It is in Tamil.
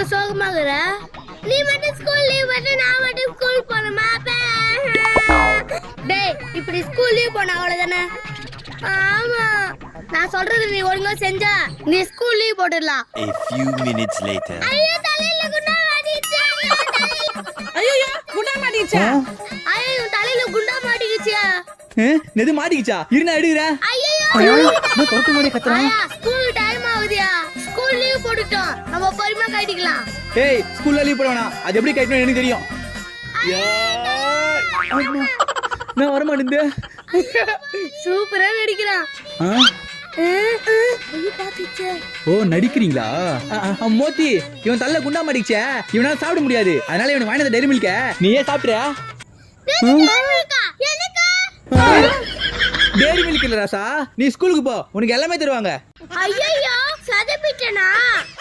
சோகமாகற? நீ மட்டும் ஸ்கூல் லீவ் பண்ண, நான் மட்டும் ஸ்கூல் போணுமா? டேய், இப்படி ஸ்கூல் லீவ் போனா அவ்வளவுதானே? ஆமா, நான் சொல்றது நீ ஒழுங்கா செஞ்சா நீ ஸ்கூல் லீவ் போட்டுடலாம். A few minutes later. ஐயோ, தலையில குண்டா மாட்டிச்சு. ஐயோ குண்டா மாட்டிச்சா? ஐயோ, தலையில குண்டா மாட்டிக்கிச்சு. நெது மாட்டிக்கிச்சா? இருனா எடுக்குறேன். ஐயோ, நான் தொட்டு மாடி கத்துறேன். ஐயா, ஸ்கூல் டைம் ஆகுதியா? ஸ்கூல் லீவ் போட்டுட்டோம், நம்ம பொறுமையா கட்டிக்கலாம். ஏய், ஸ்கூல்ல லீவ் போட வேணாம். அது எப்படி கட்டணும் எனக்கு தெரியும். நான் வர மாட்டேன். சூப்பரா நடிக்கிறான். ஓ, நடிக்கிறீங்களா? மோத்தி, இவன் தள்ள குண்டா மாட்டிச்சே, இவனால சாப்பிட முடியாது. அதனால இவனுக்கு வாங்கினது டைரி மில்க நீயே சாப்பிட்றியா? டைரி மில்க் இல்ல ராசா, நீ ஸ்கூலுக்கு போ, உனக்கு எல்லாமே தருவாங்க. ஐயோ, சதப்பிட்டனா?